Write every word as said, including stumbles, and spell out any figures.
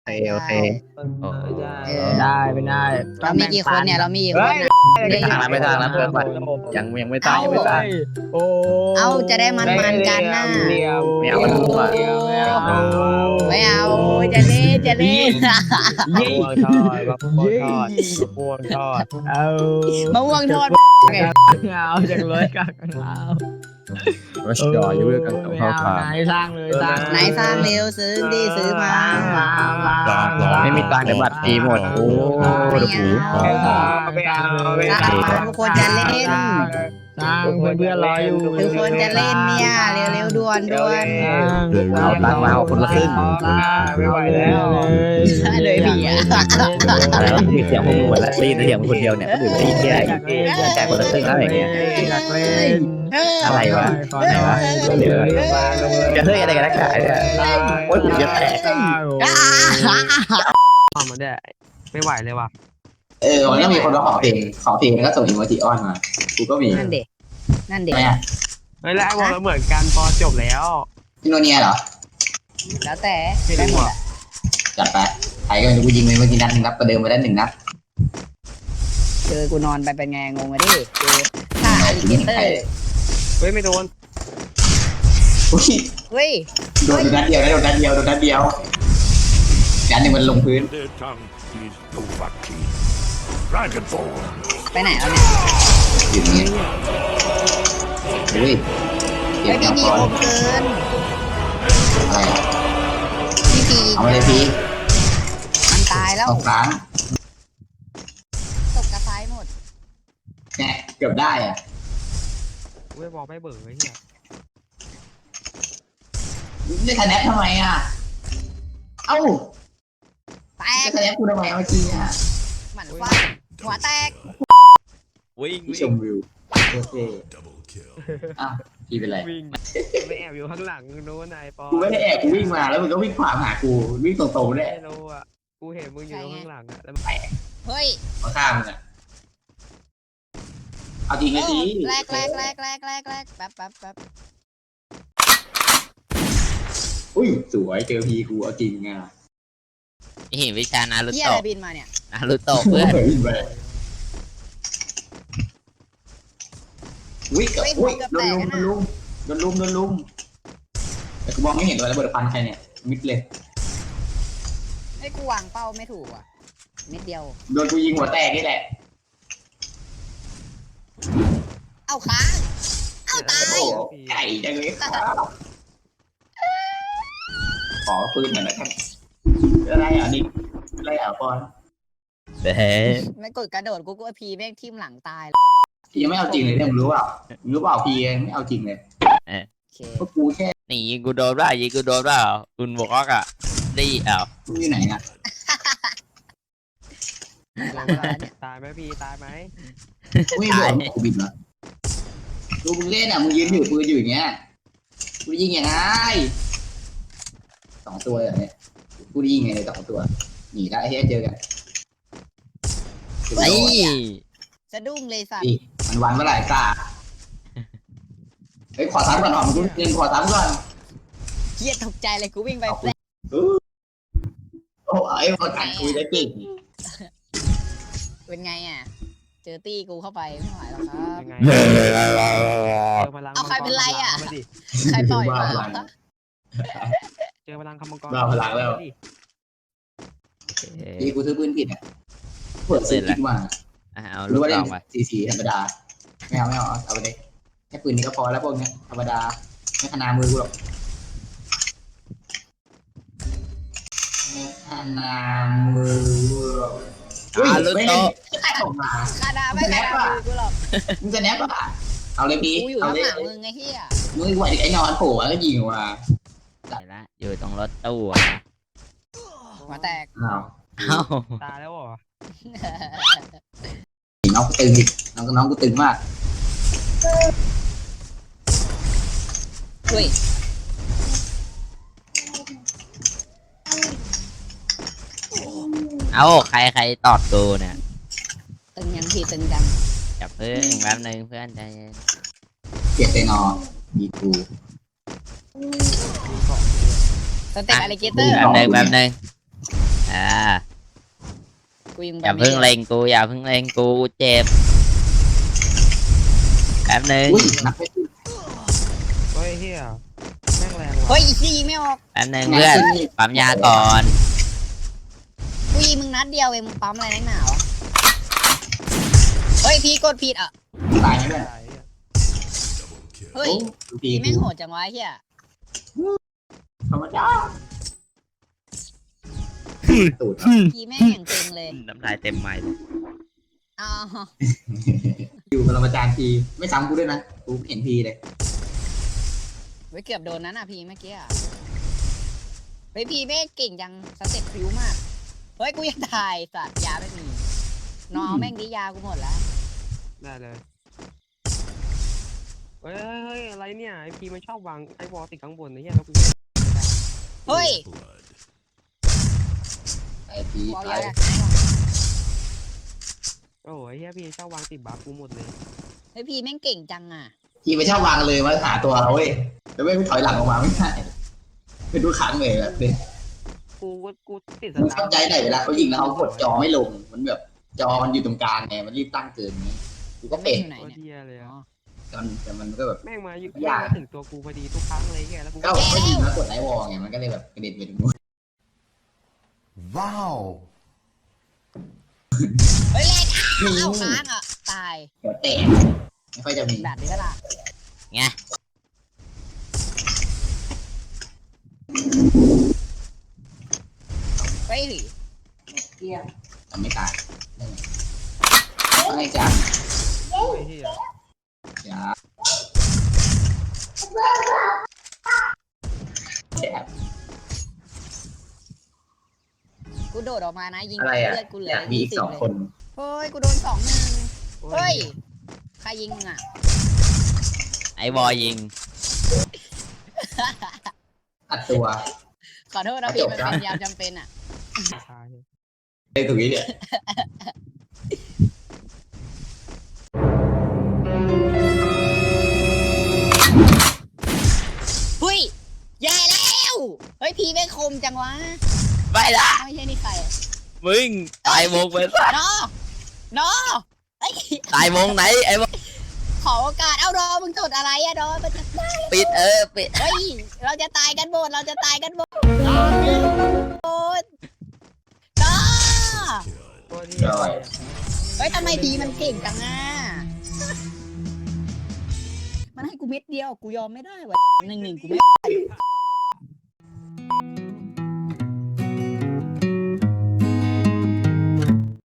โอเคโอเคโอ้เออได้ไม่ได้เรามีกี่คนเนี่ยเรามีกี่คนเนี่ยไม่ทางแล้วไม่ทางแล้วเพื่อนบัตรยังยังไม่ตายยังไม่ตายโอ้เอาจะได้มันมันๆกันน่ะเดียวไม่เอามันมั่วไม่เอาไม่เอาจะเล่นจะเล่นมะม่วงทอดมะม่วงทอดมะม่วงทอดเอามะม่วงทอดไงเอาจังเลยกันเอารัชดออยู่ด้วยกันกับข้าวขาไหนสร้างเลยสร้างไหนสร้างเร็วซื้อดิซื้อมาไม่มีตังค์แต่บัตรฟรีหมดโอ้ดูหูไม่เอาไม่เอาไม่สร้างเอามาทุกคนจะเล่นสร้างเพื่อนๆรออยู่ทุกคนจะเล่นเนี่ยเร็วๆด่วนด่วนเอาตังค์มาเอาคนละครึ่งไม่ไหวแล้วเลยเลยผีอ่ะแล้วมีเสียงพวกมึงหมดแล้วได้ยินเสียงคนเดียวเนี่ยก็ถือว่าดีแค่แจกคนละครึ่งแล้วอย่างเงี้ยอยากเล่นอะไรวะอะไรวะเดี๋ยวจะเฮ้ยอะไรกันนักหนาเนี่ยโอ้ยผมจะแตกทำมาได้ไม่ไหวเลยว่ะเออมันก็มีคนมาขอเพลงขอเพลงแล้วก็ส่งอีโมจิออนมากูก็มีนั่นเด็กนั่นเด็กทำไมอ่ะเฮ้ยแล้วไอ้วงเราเหมือนกันพอจบแล้วพี่โนเนียเหรอแล้วแต่ไม่ได้รู้หมดอ่ะอะจัดไปใครก็ไม่รู้กูยิงไปเมื่อกี้นัดหนึ่งนัดประเดิมไปได้หนึ่งนัดเจอกูนอนไปเป็นไงงงอะดิเจอฆ่าอลิเกเตอร์เฮ้ยไม่โดนอุ้ยเฮ้ยโดนนัดเดียวนะโดนนัดเดียวโดนนัดเดียวนัดหนึ่งมันลงพื้น Their tongue is Dovahki. Dragonfall. ไปไหนแล้วเนี่ยอยู่นี่อุ้ยเก็เฮ้บยยาพี่งพีก่อนคมเกินอะไรอ่ะพี่พีเอามาเลยพี่มันตายแล้วเอาครั้งตกกระไซหมดแหมเกือบได้อ่ะเว้ยบอกไม่เบื่อไอ้เหี้ยได้คะแนนทำไมอ่ะเอ้าแตได้กคะแนนกูทำไมเมื่อกี้อ่ะหมันฟาดหัวแตกวิ่งพี่ชมวิวโอเคอ่ะพี่เป็นไรวิ่งไม่แอบอยู่ข้างหลังนู้นนายปอกูไม่ได้แอบกูวิ่งมาแล้วมึงก็วิ่งขวางหากูวิ่งตรงๆเนี่ยไม่รู้อ่ะกูเห็นมึงอยู่ข้างหลังอ่ะแล้วเฮ้ยมาฆ่ามึงอ่ะเอาจริงไอ้ทีแรกแรกแรกแรกแรกแรกแป๊บแป๊บแป๊บอุ้ยสวยเจอพีกูเอาจริงอ่ะเห็นวิชานารุเฮียโตะอะไรบินมาเนี่ยนารุโตะเพื่อนวิ่งไปวิ่งกับอุ้ยโดนลุมโดนลุมโดนลุมโดนลุมแต่กูมองไม่เห็นตัวระเบิดพันใครเนี่ยมิดเลยไอ้กูวางเป้าไม่ถูกอ่ะนิดเดียวโดนกูยิงหัวแตกนี่แหละเอาค้างเอาตายโอ้ไก่จังเลยขอปืนหน่อยนะครับอะไรอ่ะนิกอะไรอ่ะปอนเด้ไม่กดกระโดดกูก็พีแม่งทิ่มหลังตายพี่ยังไม่เอาจริงเลยเนี่ยมึงรู้เปล่ามึงรู้เปล่าพี่ยังไม่เอาจริงเลยโอเคเพราะกูแค่นี่ยิงกูโดนว่ายิงกูโดนว่าคุณบอกอ่ะดีอ้าวมึงอยู่ไหนอ่ะตายไหมพี่ตายไหมอุ้ยโดนกูบินเหรอดูมึงเล่นอ่ะมึงยืนอยู่ปืนอยู่อย่างเงี้ยกูยิงยังไงสองตัวอย่างเนี้ยกูยิงไงเลยสองตัวหนีได้เฮ้ยเจอกันไอ้สะดุ้งเลยสัตว์อีมันวันเมื่อไหร่กล้าเฮ้ยขอซ้ำก่อนหอมกูเรียนขอซ้ำก่อนเฮียตกใจเลยกูวิ่งไปแปลโอ้ไอ้พอกันคุยได้เก่งเป็นไงอ่ะเจอตี้กูเข้าไปไม่ไหวแล้วครับยังไงเเจอพลังเอาใครเป็นไรอะมาดิใครปล่อยมาเจอพลังคำมังกรบ้าพลังแล้วพี่กูซื้อปืนผิดอ่ะเปิดซื้อผิดมาอาลูรู้กว่าซเล่อน งไปสีสีธรรมดาไม่เอาไม่เอาเอาไปเลยแค่ปืนนี้ก็พอแล้วพวกเนี้ยธรรมดาไม่ขนามือกูหรอกไม่ขนามือกูหรอกอุ้ยอาลูกไม่โตได้ออกมาคาดาไม่คาดามือกูหรอกมึงจะแนบป่ะเอาเลยพี่กูอยู่เอาข้างเลยหลังมึงไอ้เฮียมึงไหวไอ้นอนโผล่มาแล้วยิงออกมาละอยู่ตรงรถตู้หัวแตกอ้าวเอ้าตายแล้วเหรอน้องกูตึงอีกน้องน้องกูตึงมากเฮ้ยเอ้าใครใครตอดกูเนี่ยตึงยังทีตึงจังจับเพื่อนแป๊บนึงเพื่อนใจเย็นเกียรตินอดีกูสเต็ปอลิเกเตอร์แป๊บนึงแป๊บนึงอ่ากูยิงอย่าเพิ่งเล็งกูอย่าเพิ่งเล็งกูเจ็บแป๊บนึงอุ้ยนับไม่ถูกเฮ้ยเฮียแม่งแรงว่ะเฮ้ยอีกทียิงไม่ออกแป๊บนึงเพื่อนปั๊มยาก่อนกูยิงมึงนัดเดียวเองมึงปั๊มอะไรนักหนาวะเฮ้ยพี่กดผิดอ่ะตายไหมเนี่ยตายอ่ะเฮ้ยดูพี่ดีแม่งโหดจังวะไอ้เฮียธรรมดาตูดพี่แม่งอย่างเก่งเลยน้ำลายเต็มไม้เลยอ๋ออยู่กับเราอาจารย์พีไม่ซ้ำกูด้วยนะกูเห็นพีเลยไว้เกือบโดนนั้นอ่ะพี่เมื่อกี้อ่ะเฮ้ยพี่แม่งเก่งจังสเต็ปพริ้วมากเฮ้ยกูยังตายสัตว์ยาไม่มีน้องแม่งดียากูหมดแล้วได้เลยเฮ้ยเฮ้ยอะไรเนี่ยไอพีมันชอบวางไอวอลติดข้างบนนะเฮียแล้วกูเฮ้ยไอพีกูเอาตายยาโอ้ยเฮียพีชอบวางติดบัฟกูหมดเลยเฮ้ยพี่แม่งเก่งจังอ่ะพีไม่ชอบวางเลยมาหาตัวเขาเว้ยแล้วไม่ถอยหลังออกมาไม่ได้เป็นทุกครั้งเลยแบบนี้กูกูติดสมึงตาเข้าใจไหนเวลาเขายิงแล้วเขากดจอไม่ลงมันแบบจอมันอยู่ตรงกลางไงมันรีบตั้งเกินนี้กูก็เป็นอยู่ไหนโคตรเนี่ยเฮียเลยอ๋ออ่ะแต่มันแต่มันก็แบบแม่งมาอยู่ยากมาถึงตัวกูพอดีทุกครั้งเลยเฮียแล้วกูก็เขายิงแล้วกดไลท์วอลไงมันก็เลยแบบกระเด็นไปตรงนู้น Wow. เฮ้ยแรกอ้าวค้างอ่ะตายหัวแตกไม่ค่อยจะมีแบบนี้ก็ล่ะไงเฮ้ยทำไม่ตายไม่จ้าไอ้เฮียจ้าแอบกูโดดออกมานะยิงอะไรอ่ะเลือดกูเหลืออยากมีอีกยี่สิบสองเลยคนเฮ้ยกูโดนสองหนึ่งเฮ้ยใครยิงมึงอ่ะไอ้บอยิงอัดตัวขอโทษนะพี่มันเป็นยามจำเป็นอ่ะตายไอ้ตรงนี้เนี่ยเฮ้ยแย่แล้วเฮ้ยพี่แม่งคมจังวะไม่ละไม่ใช่นี่ใครอะมึงตายวงไปซะนอ นอเอ้ยตายวงไหนไอ้บอขอโอกาส เอาดอมึงจดอะไรอะดอมันจะได้ปิดเออปิดเฮ้ย เราจะตายกันหมด เราจะตายกันหมดโอ๊ยดอโคตรเฮียเลยเฮ้ยทำไมพีมันเก่งจังอ่ะ มันให้กูเม็ดเดียว กูยอมไม่ได้วะหนึ่งหนึ่งกูไม่